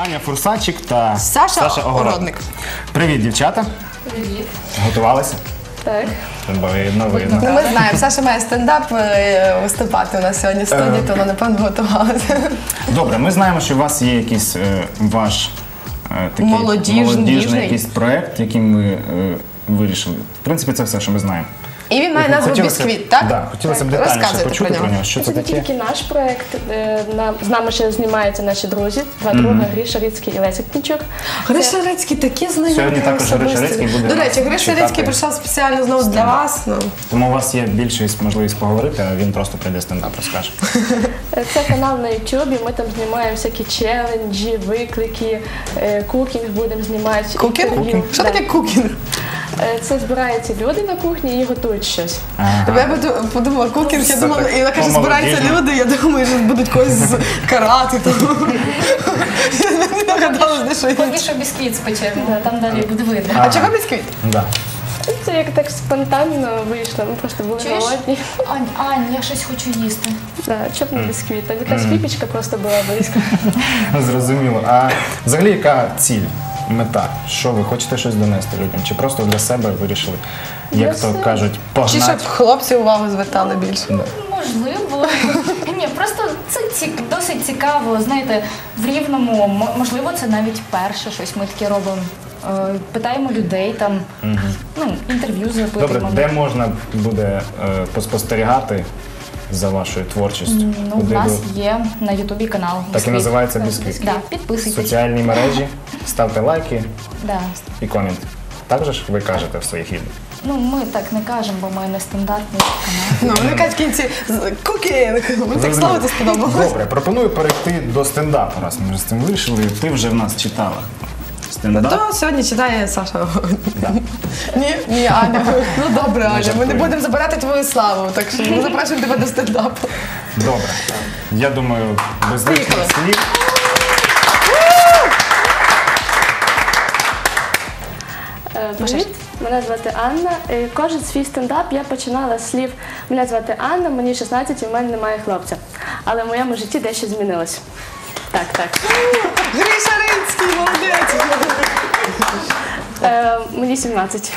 Аня Фурсачик та Саша Огородник. Огородник. Привіт, дівчата. Привіт. Готувалися? Так. Видно. Ну, ми знаємо, Саша має стендап виступати у нас сьогодні в студії, то вона, напевно, готувалася. Добре, ми знаємо, що у вас є якийсь ваш такий молодіжний якийсь проєкт, яким ви вирішили. В принципі, це все, що ми знаємо. І він має назву «Бісквіт», так? Так, хотілося б детальніше Розказуйте почути про нього. Що це Це не таке? тільки наш проєкт. З нами ще знімаються наші друзі. Два друга, Гріша Рицький і Леся Кінчук. Гриша Рицький такі знайомі. Сьогодні також Гриша Рицький буде До речі, нас Гриша читати. Рицький прийшов спеціально знову для вас. Тому у вас є більше можливість поговорити, а він просто прийде стендап розкаже. Це канал на Ютубі. Ми там знімаємо всякі челенджі, виклики, кукінг будемо знімати. Кукінг? інтерв'ю. Що Да. таке кукінг? Це збираються люди на кухні і готують щось. Я подумала, кукінг, я думала, і вона каже, збираються люди, я думаю, що будуть когось карати. Я гадала, що Поки що бісквіт спечемо, там далі буде видно. А чого бісквіт? Да. Це як так спонтанно вийшло. Ми просто були Чуєш? голодні. Ань, я щось хочу їсти. Да, чоб не бісквіт. Там якась випічка просто була близько. Зрозуміло. А взагалі яка ціль, мета? Що ви хочете щось донести людям? Чи просто для себе вирішили, як то кажуть, Чи погнати? щоб хлопці увагу звертали більше? Можливо. Ні, просто це досить цікаво. Знаєте, в Рівному, можливо, це навіть перше щось ми таке робимо. Питаємо людей, там, інтерв'ю Добре, запитуємо. де можна буде поспостерігати за вашою творчістю? Ну, у нас є на Ютубі канал. Так і «Бісквіт». називається «Бісквіт». Да, підписуйтесь. Соціальні мережі, ставте лайки Да. і комент. Так же ж ви кажете в своїх відео? Ну, ми так не кажемо, бо ми не стандартний канал. Ну, вони кажуть в кінці кукінг. Мені так слово це сподобалось. Добре, пропоную перейти до стендапу, раз ми вже з цим вирішили. Ти вже в нас читала стендап. То сьогодні читає Саша. Ні, Аня. Ну добре, Аня, ми не жартуємо. будемо забирати твою славу, так що ми запрошуємо тебе до стендапу. Добре. Я думаю, без лишніх Поїхали. слів. Привіт, мене звати Анна. Кожен свій стендап я починала з слів «Мене звати Анна, мені 16 і в мене немає хлопця». Але в моєму житті дещо змінилось. Так. Гриша Рицький, молодець! Мені 17.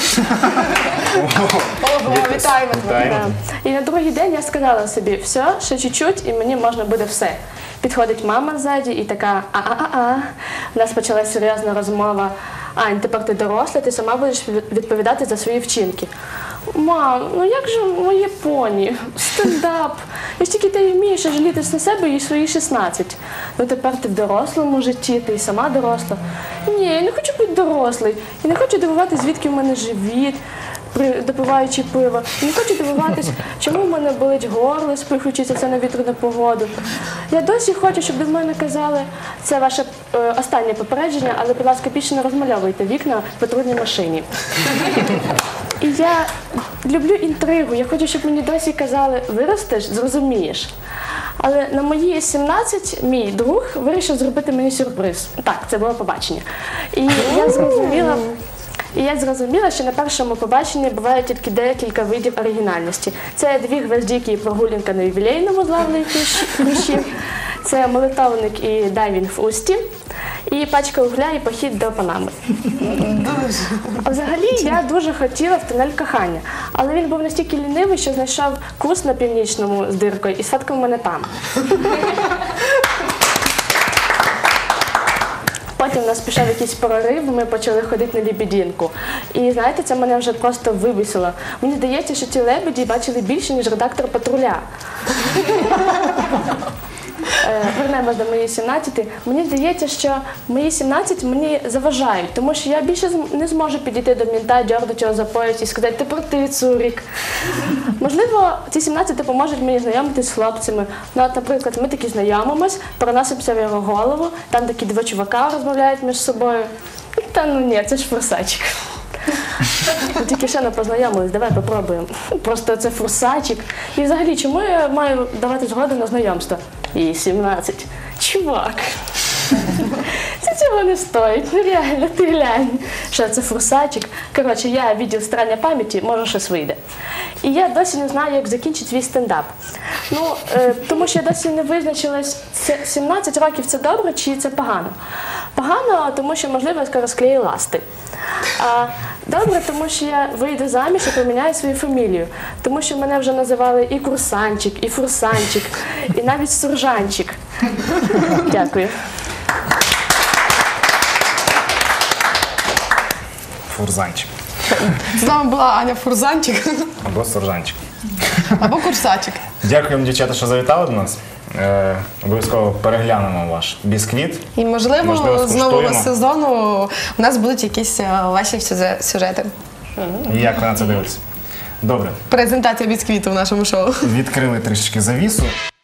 Ого, вітаємо тебе. Вітаємо. Да. І на другий день я сказала собі, все, ще чуть-чуть, і мені можна буде все. Підходить мама ззаді і така, У нас почалася серйозна розмова. Ань, тепер ти доросла, ти сама будеш відповідати за свої вчинки. Мам, ну як же моє поні? Стендап. Я ж тільки ти вмієш жалітись на себе і свої 16. Ну тепер ти в дорослому житті, ти і сама доросла. Ні, я не хочу бути дорослий. Я не хочу дивуватися, звідки в мене живіт, допиваючи пиво. Я не хочу дивуватися, чому в мене болить горло, спихуючися це на вітряну погоду. Я досі хочу, щоб до мене казали, це ваше останнє попередження, але, будь ласка, більше не розмальовуйте вікна в патрульній машині. І я люблю інтригу, я хочу, щоб мені досі казали, виростеш, зрозумієш. Але на мої 17 мій друг вирішив зробити мені сюрприз. Так, це було побачення. І я зрозуміла, що на першому побаченні буває тільки декілька видів оригінальності. Це 2 гвоздики і прогулянка на ювілейному з Лавлею Хрущів, це молитовник і дайвінг в Усті, і пачка угля і похід до Панами. А взагалі я дуже хотіла в тунель кохання, але він був настільки лінивий, що знайшов курс на Північному з диркою і сфоткав мене там. Потім у нас пішов якийсь прорив, ми почали ходити на лебединку. І знаєте, це мене вже просто вибісило. Мені здається, що ці лебеді бачили більше, ніж редактор патруля. Вернемось до моєї 17. Мені здається, що мої 17 мені заважають, тому що я більше не зможу підійти до мента, дьорнути його за пояс і сказати «Тепер ти, цурік». Можливо, ці 17 допоможуть мені знайомитись з хлопцями. Ну, от, наприклад, ми такі знайомимось, переносимося в його голову, там такі 2 чувака розмовляють між собою. Та ну ні, це ж форсачик. Ми тільки ще не познайомились, давай попробуємо. Просто це форсачик. І взагалі, чому я маю давати згоду на знайомство? Їй 17. Чувак. Це цього не стоїть. Ну реально, ти глянь. Що це форсачик? Коротше, я відділ старання пам'яті, може щось вийде. І я досі не знаю, як закінчити свій стендап. Ну, тому що я досі не визначилась, 17 років це добре чи це погано. Погано, тому що, можливо, я скоро склею ласти. А добре, тому що я вийду заміж і поміняю свою фамілію. Тому що мене вже називали і курсанчик, і фурсанчик, і навіть суржанчик. Дякую. Фурзанчик. З нами була Аня Фурзанчик Або суржанчик. або Курсачик. Дякуємо, дівчата, що завітали до нас. Обов'язково переглянемо ваш бісквіт. І, можливо, з нового скуштуємо. сезону у нас будуть якісь ваші сюжети. І як ви на це дивитесь? Добре, Презентація бісквіту в нашому шоу. відкрили трішечки завісу.